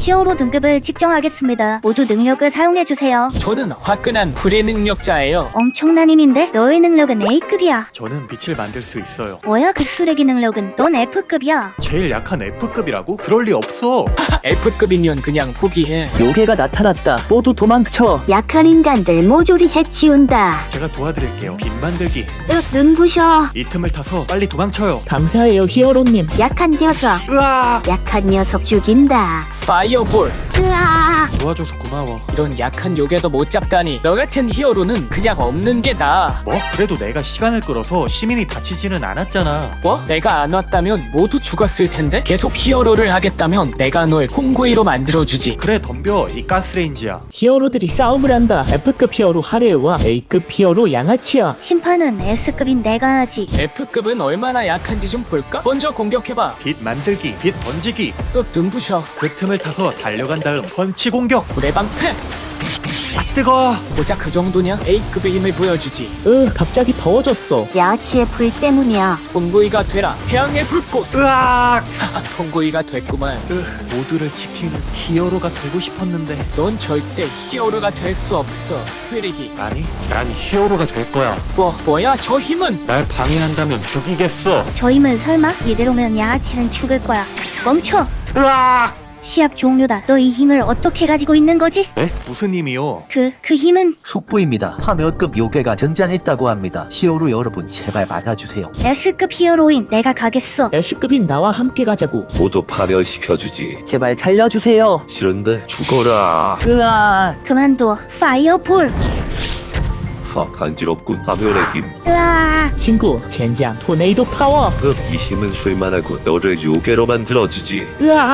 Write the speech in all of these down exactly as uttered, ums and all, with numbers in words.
히어로 등급을 측정하겠습니다. 모두 능력을 사용해주세요. 저는 화끈한 불의 능력자예요. 엄청난 힘인데 너의 능력은 A급이야. 저는 빛을 만들 수 있어요. 뭐야 그 쓰레기 능력은? 넌 F급이야. 제일 약한 F급이라고? 그럴 리 없어. F급이면 그냥 포기해. 요괴가 나타났다. 모두 도망쳐. 약한 인간들 모조리 해치운다. 제가 도와드릴게요. 빛 만들기. 으, 눈부셔. 이 틈을 타서 빨리 도망쳐요. 감사해요, 히어로님. 약한 녀석. 으아! 약한 녀석 죽인다. 파이어볼. 으아. 도와줘서 고마워. 이런 약한 요괴도 못 잡다니. 너 같은 히어로는 그냥 없는 게 나아. 뭐? 그래도 내가 시간을 끌어서 시민이 다치지는 않았잖아. 뭐? 내가 안 왔다면 모두 죽었을 텐데? 계속 히어로를 하겠다면 내가 널 콩구이로 만들어주지. 그래 덤벼. 이 가스레인지야. 히어로들이 싸움을 한다. F급 히어로 하레우와 A급 히어로 양아치야. 심판은 S급인 내가 하지. F급은 얼마나 약한지 좀 볼까? 먼저 공격해봐. 빛 만들기. 빛 던지기. 윽 눈부셔. 그 틈을 타서 달려간 다음 펀치 공격. 불의 방패. 아 뜨거. 고작 그 정도냐? A급의 힘을 보여주지. 으, 갑자기 더워졌어. 야치의 불 때문이야. 콩구이가 되라. 태양의 불꽃. 으악! 콩구이가 됐구만. 으, 모두를 지키는 히어로가 되고 싶었는데. 넌 절대 히어로가 될 수 없어. 쓰레기. 아니, 난 히어로가 될 거야. 뭐 뭐야 저 힘은? 날 방해한다면 죽이겠어. 저 힘은 설마? 이대로면 양아치는 죽을 거야. 멈춰! 으악! 시합 종료다. 너 이 힘을 어떻게 가지고 있는 거지? 네? 무슨 힘이요? 그, 그 힘은 속보입니다. 파멸급 요괴가 등장했다고 합니다. 히어로 여러분 제발 막아주세요. S급 히어로인 내가 가겠어. S급인 나와 함께 가자고. 모두 파멸시켜주지. 제발 살려주세요. 싫은데 죽어라. 으아. 그만둬. 파이어볼. 하, 간지럽군. 파멸의 힘. 으아. 친구, 젠장, 토네이도 파워. 흑, 이 힘은 쓸만하고 너를 요괴로 만들어주지.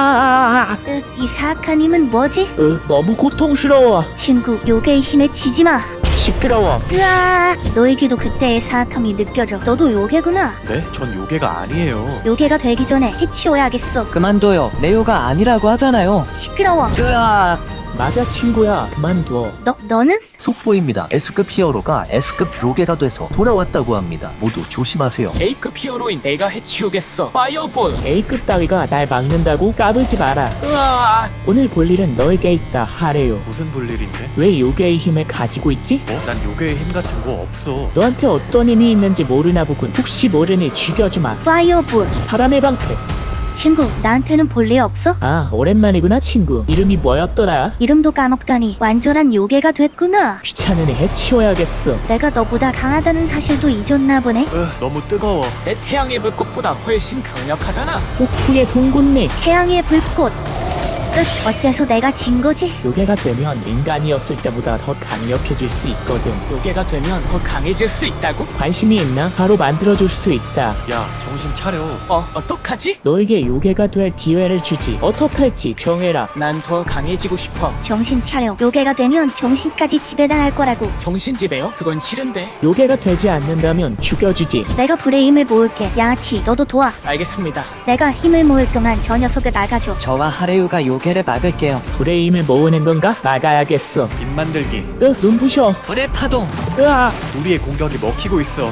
으아. 으, 이 사악한 힘은 뭐지? 으, 너무 고통스러워. 친구, 요괴의 힘에 지지 마. 시끄러워. 으아. 너에게도 그때의 사악함이 느껴져. 너도 요괴구나. 네? 전 요괴가 아니에요. 요괴가 되기 전에 해치워야겠어. 그만둬요. 레오가 아니라고 하잖아요. 시끄러워. 으아. 맞아, 친구야. 그만둬. 너, 너는? 속보입니다. S급 히어로가 S급 요괴가 돼서 돌아왔다고 합니다. 모두 조심하세요. A급 히어로인 내가 해치우겠어. 파이어볼. A급 따위가 날 막는다고 까불지 마라. 으아. 오늘 볼 일은 너에게 있다, 하레요. 무슨 볼일인데? 왜 요괴의 힘을 가지고 있지? 뭐? 난 요괴의 힘 같은 거 없어. 너한테 어떤 힘이 있는지 모르나 보군. 혹시 모르니 죽여주마. 파이어볼. 바람의 방패. 친구, 나한테는 볼 일 없어? 아, 오랜만이구나, 친구. 이름이 뭐였더라? 이름도 까먹다니 완전한 요괴가 됐구나. 귀찮으니 해치워야겠어. 내가 너보다 강하다는 사실도 잊었나 보네. 으, 너무 뜨거워. 내 태양의 불꽃보다 훨씬 강력하잖아. 폭풍의 송곳니. 태양의 불꽃. 끝. 어째서 내가 진 거지? 요괴가 되면 인간이었을 때보다 더 강력해질 수 있거든. 요괴가 되면 더 강해질 수 있다고? 관심이 있나? 바로 만들어줄 수 있다. 야, 정신 차려. 어 어떡하지? 너에게 요괴가 될 기회를 주지. 어떡할지 정해라. 난 더 강해지고 싶어. 정신 차려. 요괴가 되면 정신까지 지배당할 거라고. 정신지배요? 그건 싫은데. 요괴가 되지 않는다면 죽여주지. 내가 불의 힘을 모을게. 양아치, 너도 도와. 알겠습니다. 내가 힘을 모을 동안 저 녀석을 막아줘. 저와 하레우가 요괴를 막을게요. 불의 힘을 모으는 건가? 막아야겠어. 빛 만들기. 으, 눈부셔. 불의 파동. 으아. 우리의 공격이 먹히고 있어.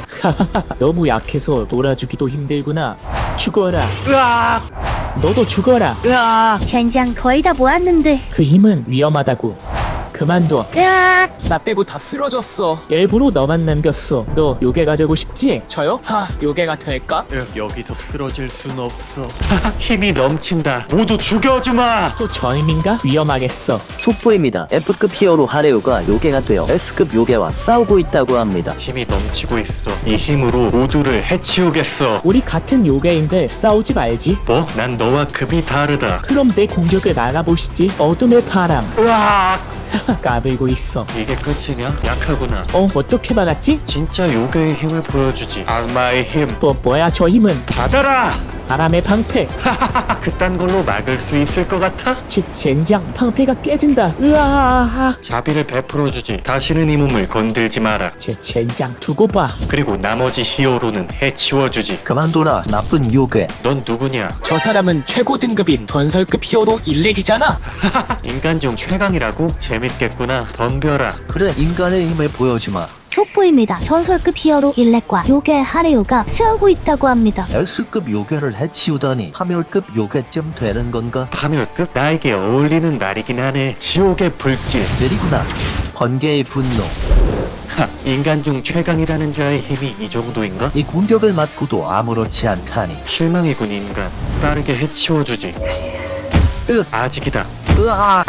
너무 약해서 놀아주기도 힘들구나. 죽어라. 으악! 너도 죽어라. 으아. 젠장 거의 다 모았는데. 그 힘은 위험하다고. 그만둬. 으악. 나 빼고 다 쓰러졌어. 일부러 너만 남겼어. 너 요괴가 되고 싶지? 저요? 하 요괴가 될까? 으, 여기서 쓰러질 순 없어. 힘이 넘친다. 모두 죽여주마. 또 저 힘인가? 위험하겠어. 속보입니다. F급 히어로 하레우가 요괴가 되어 S급 요괴와 싸우고 있다고 합니다. 힘이 넘치고 있어. 이 힘으로 모두를 해치우겠어. 우리 같은 요괴인데 싸우지 말지. 뭐? 난 너와 급이 다르다. 그럼 내 공격을 막아보시지. 어둠의 바람. 으악! 까불고 있어. 이게 끝이냐? 약하구나. 어, 어떻게 막았지? 진짜 요괴의 힘을 보여주지. 악마의 힘. 뭐, 뭐야 저 힘은? 받아라! 바람의 방패. 그딴 걸로 막을 수 있을 것 같아? 제 젠장 방패가 깨진다. 으아. 자비를 베풀어주지. 다시는 이 몸을 건들지 마라. 제 젠장 두고 봐. 그리고 나머지 히어로는 해치워주지. 그만둬라 나쁜 요괴. 넌 누구냐? 저 사람은 최고 등급인 전설급 히어로 일렉이잖아. 인간 중 최강이라고? 재밌겠구나. 덤벼라. 그래 인간의 힘을 보여주마. 속보입니다. 전설급 히어로 일렉과 요괴 하레오가 싸우고 있다고 합니다. S급 요괴를 해치우다니 파멸급 요괴쯤 되는 건가? 파멸급? 나에게 어울리는 말이긴 하네. 지옥의 불길. 느리구나. 번개의 분노. 하, 인간 중 최강이라는 자의 힘이 이 정도인가? 이 공격을 맞고도 아무렇지 않다니. 실망이군 인간. 빠르게 해치워주지. 으, 아직이다. 으아,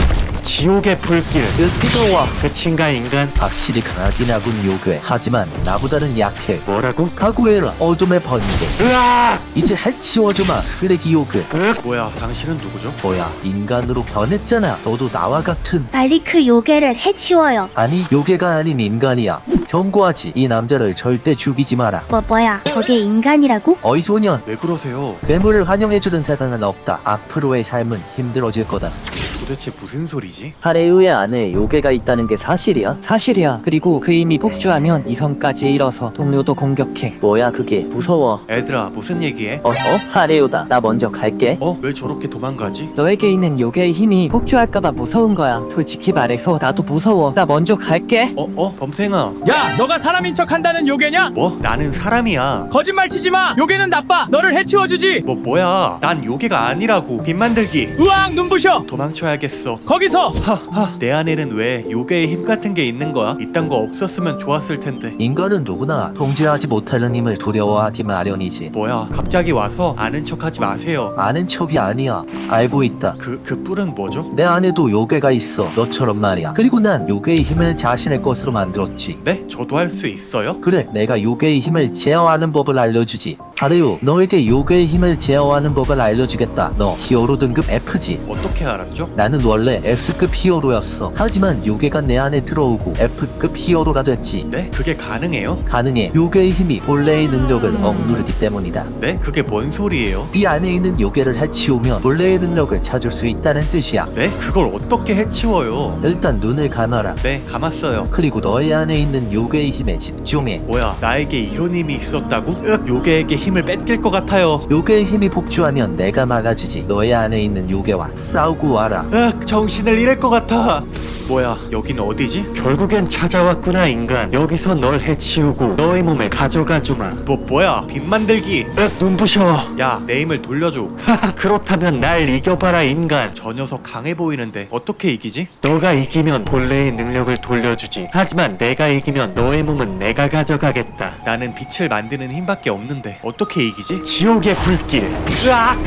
지옥의 불길. 으, 뜨거워. 끝인가 인간? 확실히 강하긴 하군 요괴. 하지만 나보다는 약해. 뭐라고? 각오해라 어둠의 번개. 으악! 이제 해치워주마 쓰레기 요괴. 으악! 뭐야 당신은 누구죠? 뭐야 인간으로 변했잖아. 너도 나와 같은. 빨리 그 요괴를 해치워요. 아니 요괴가 아닌 인간이야. 경고하지. 이 남자를 절대 죽이지 마라. 뭐 뭐야 저게 인간이라고? 어이 소년. 왜 그러세요? 괴물을 환영해주는 세상은 없다. 앞으로의 삶은 힘들어질 거다. 도대체 무슨 소리지? 하레우의 안에 요괴가 있다는 게 사실이야? 사실이야. 그리고 그 힘이 폭주하면 이성까지 잃어서 동료도 공격해. 뭐야 그게 무서워. 애들아 무슨 얘기해? 어? 어? 하레우다. 나 먼저 갈게. 어? 왜 저렇게 도망가지? 너에게 있는 요괴의 힘이 폭주할까봐 무서운 거야. 솔직히 말해서 나도 무서워. 나 먼저 갈게. 어? 어? 범생아. 야, 너가 사람인 척 한다는 요괴냐? 뭐? 나는 사람이야. 거짓말 치지 마. 요괴는 나빠. 너를 해치워주지. 뭐 뭐야? 난 요괴가 아니라고. 빛 만들기. 으악, 눈부셔. 도망쳐야겠어. 거기서. 하하. 내 안에는 왜 요괴의 힘 같은 게 있는 거야? 이딴 거 없었으면 좋았을 텐데. 인간은 누구나 통제하지 못하는 힘을 두려워하기 마련이지. 뭐야? 갑자기 와서 아는 척하지 마세요. 아는 척이 아니야. 알고 있다. 그, 그 뿔은 뭐죠? 내 안에도 요괴가 있어. 너처럼 말이야. 그리고 난 요괴의 힘을 자신의 것으로 만들었지. 네? 저도 할 수 있어요? 그래, 내가 요괴의 힘을 제어하는 법을 알려주지. 하레오, 너에게 요괴의 힘을 제어하는 법을 알려주겠다. 너 히어로 등급 F지? 어떻게 알았죠? 나는 원래 S급 히어로였어. 하지만 요괴가 내 안에 들어오고 F급 히어로가 됐지. 네? 그게 가능해요? 가능해. 요괴의 힘이 본래의 능력을 억누르기 때문이다. 네? 그게 뭔 소리예요? 네 안에 있는 요괴를 해치우면 본래의 능력을 찾을 수 있다는 뜻이야. 네? 그걸 어떻게 해치워요? 일단 눈을 감아라. 네, 감았어요. 그리고 너의 안에 있는 요괴의 힘에 집중해. 뭐야, 나에게 이런 힘이 있었다고? 으, 요괴에게 힘을 뺏길 것 같아요. 요괴의 힘이 폭주하면 내가 막아주지. 너의 안에 있는 요괴와 싸우고 와라. 으, 정신을 잃을 것 같아. 뭐야, 여긴 어디지? 결국엔 찾아왔구나, 인간. 여기서 널 해치우고 너의 몸을 가져가 주마. 뭐, 뭐야, 빛 만들기. 으, 눈부셔. 야, 내 힘을 돌려줘. 하하, 그렇다면 날 이겨봐라, 인간. 저 녀석 강해 보이는데 어떻게 이기지? 너가 이기면 본래의 능력을 돌려주지. 하지만 내가 이기면 너의 몸은 내가 가져가겠다. 나는 빛을 만드는 힘밖에 없는데 어떻게 이기지? 지옥의 불길. 으악!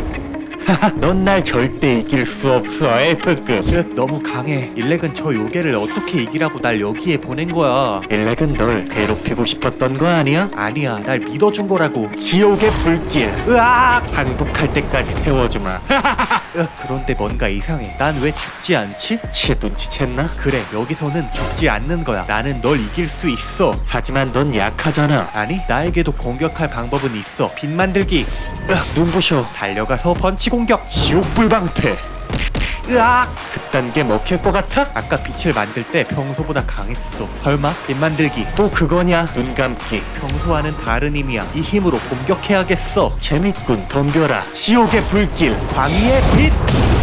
넌 날 절대 이길 수 없어. F급. 으, 너무 강해. 일렉은 저 요괴를 어떻게 이기라고 날 여기에 보낸 거야. 일렉은 널 괴롭히고 싶었던 거 아니야? 아니야, 날 믿어준 거라고. 지옥의 불길. 으악! 반복할 때까지 태워주마. 으, 그런데 뭔가 이상해. 난 왜 죽지 않지? 치, 눈치챘나? 그래, 여기서는 죽지 않는 거야. 나는 널 이길 수 있어. 하지만 넌 약하잖아. 아니, 나에게도 공격할 방법은 있어. 빛 만들기. 으, 눈부셔. 달려가서 펀치 공격. 지옥불 방패. 으악! 그딴 게 먹힐 것 같아? 아까 빛을 만들 때 평소보다 강했어. 설마? 빛 만들기 또 그거냐? 눈 감기. 평소와는 다른 힘이야. 이 힘으로 공격해야겠어. 재밌군. 덤벼라. 지옥의 불길. 광희의 빛.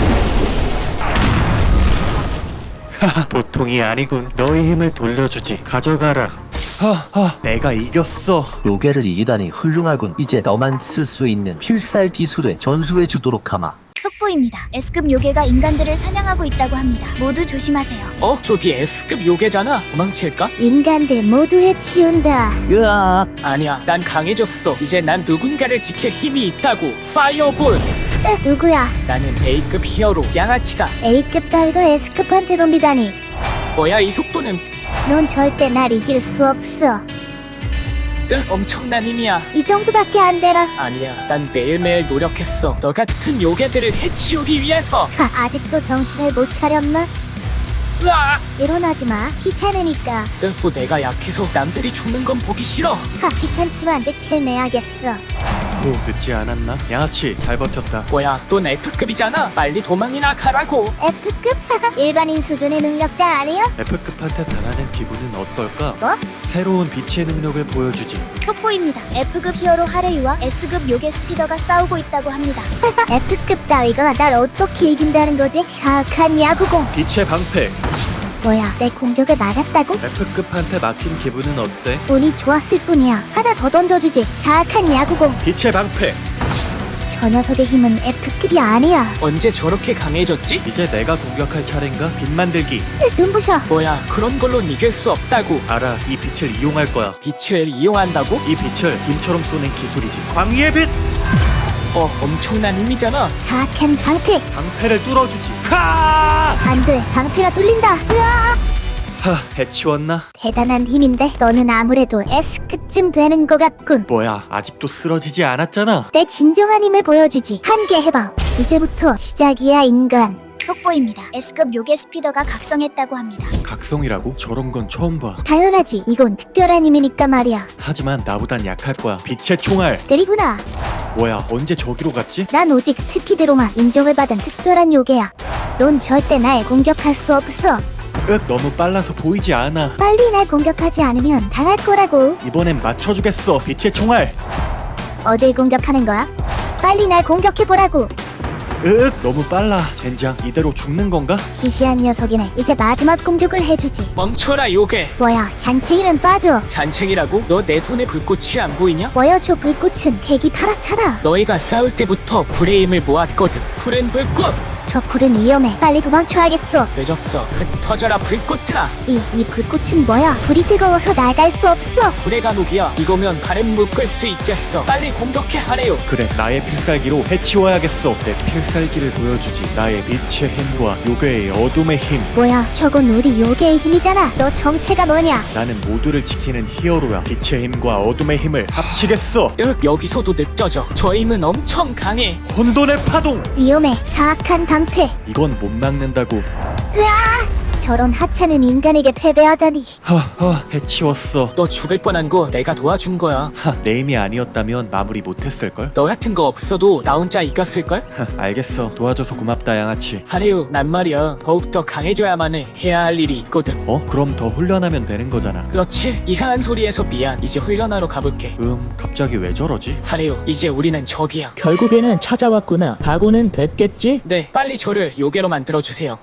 하하, 보통이 아니군. 너의 힘을 돌려주지. 가져가라. 하하, 내가 이겼어. 요괴를 이기다니 훌륭하군. 이제 너만 쓸 수 있는 필살 기술을 전수해 주도록 하마. 속보입니다. S급 요괴가 인간들을 사냥하고 있다고 합니다. 모두 조심하세요. 어? 저기 S급 요괴잖아. 도망칠까? 인간들 모두 해치운다. 으악. 아니야, 난 강해졌어. 이제 난 누군가를 지킬 힘이 있다고. 파이어볼. 에, 누구야? 나는 A급 히어로 양아치다. A급 따위도 S급한테 덤비다니. 뭐야 이 속도는? 넌 절대 날 이길 수 없어. 으, 엄청난 힘이야. 이 정도밖에 안 되라. 아니야, 난 매일매일 노력했어. 너 같은 요괴들을 해치우기 위해서. 하, 아직도 정신을 못 차렸나? 으아! 일어나지 마. 귀찮으니까. 으, 또 내가 약해서 남들이 죽는 건 보기 싫어. 하, 귀찮지만 끝을 내야겠어. 오, 늦지 않았나? 양아치, 잘 버텼다. 뭐야, 넌 F급이잖아. 빨리 도망이나 가라고. F급? 일반인 수준의 능력자 아니야? F급한테 당하는 기분은 어떨까? 뭐? 새로운 빛의 능력을 보여주지. 속보입니다. F급 히어로 하레이와 S급 요괴 스피더가 싸우고 있다고 합니다. F급 따위가 날 어떻게 이긴다는 거지? 사악한 야구공. 빛의 방패. 뭐야, 내 공격을 막았다고? F급한테 막힌 기분은 어때? 운이 좋았을 뿐이야. 하나 더 던져주지. 사악한 야구공. 빛의 방패. 저 녀석의 힘은 F급이 아니야. 언제 저렇게 강해졌지? 이제 내가 공격할 차례인가? 빛 만들기. 눈부셔. 뭐야, 그런 걸로 이길 수 없다고. 알아, 이 빛을 이용할 거야. 빛을 이용한다고? 이 빛을 빔처럼 쏘는 기술이지. 광희의 빛. 어, 엄청난 힘이잖아. 사악한 방패. 방패를 뚫어주지. 하! 안 돼. 방패가 뚫린다. 으아! 하, 해치웠나? 대단한 힘인데 너는 아무래도 S급쯤 되는 것 같군. 뭐야, 아직도 쓰러지지 않았잖아. 내 진정한 힘을 보여주지. 한 개 해봐. 이제부터 시작이야, 인간. 속보입니다. S급 요괴 스피더가 각성했다고 합니다. 각성이라고? 저런 건 처음 봐. 당연하지. 이건 특별한 힘이니까 말이야. 하지만 나보단 약할 거야. 빛의 총알. 때리구나. 뭐야, 언제 저기로 갔지? 난 오직 스피드로만 인정을 받은 특별한 요괴야. 넌 절대 날 공격할 수 없어. 윽, 너무 빨라서 보이지 않아. 빨리 날 공격하지 않으면 당할 거라고. 이번엔 맞춰주겠어. 빛의 총알. 어딜 공격하는 거야? 빨리 날 공격해보라고. 윽, 너무 빨라. 젠장, 이대로 죽는 건가? 시시한 녀석이네. 이제 마지막 공격을 해주지. 멈춰라, 요괴. 뭐야, 잔챙이는 빠져. 잔챙이라고? 너 내 손에 불꽃이 안 보이냐? 뭐야, 저 불꽃은 색이 파랗잖아. 너희가 싸울 때부터 불의 힘을 모았거든. 푸른 불꽃. 저 불은 위험해. 빨리 도망쳐야겠어. 늦었어. 흩어져라, 불꽃아. 이, 이 불꽃은 뭐야? 불이 뜨거워서 나갈 수 없어. 불의 감옥이야. 이거면 바람 묶을 수 있겠어. 빨리 공격해 하래요. 그래, 나의 필살기로 해치워야겠어. 내 필살기를 보여주지. 나의 빛의 힘과 요괴의 어둠의 힘. 뭐야, 저건 우리 요괴의 힘이잖아. 너 정체가 뭐냐? 나는 모두를 지키는 히어로야. 빛의 힘과 어둠의 힘을 합치겠어. 윽, 여기서도 느껴져. 저 힘은 엄청 강해. 혼돈의 파동. 위험해. 사악한 방패. 이건 못 막는다고. 으아! 저런 하찮은 인간에게 패배하다니. 허허, 해치웠어. 너 죽을 뻔한 거 내가 도와준 거야. 하, 내 힘이 아니었다면 마무리 못했을걸? 너 같은 거 없어도 나 혼자 이겼을걸? 하, 알겠어. 도와줘서 고맙다, 양아치. 하래요. 난 말이야. 더욱더 강해져야만 해. 해야 할 일이 있거든. 어? 그럼 더 훈련하면 되는 거잖아. 그렇지. 이상한 소리에서 미안. 이제 훈련하러 가볼게. 음, 갑자기 왜 저러지? 하래요. 이제 우리는 적이야. 결국에는 찾아왔구나. 각오는 됐겠지? 네, 빨리 저를 요괴로 만들어주세요.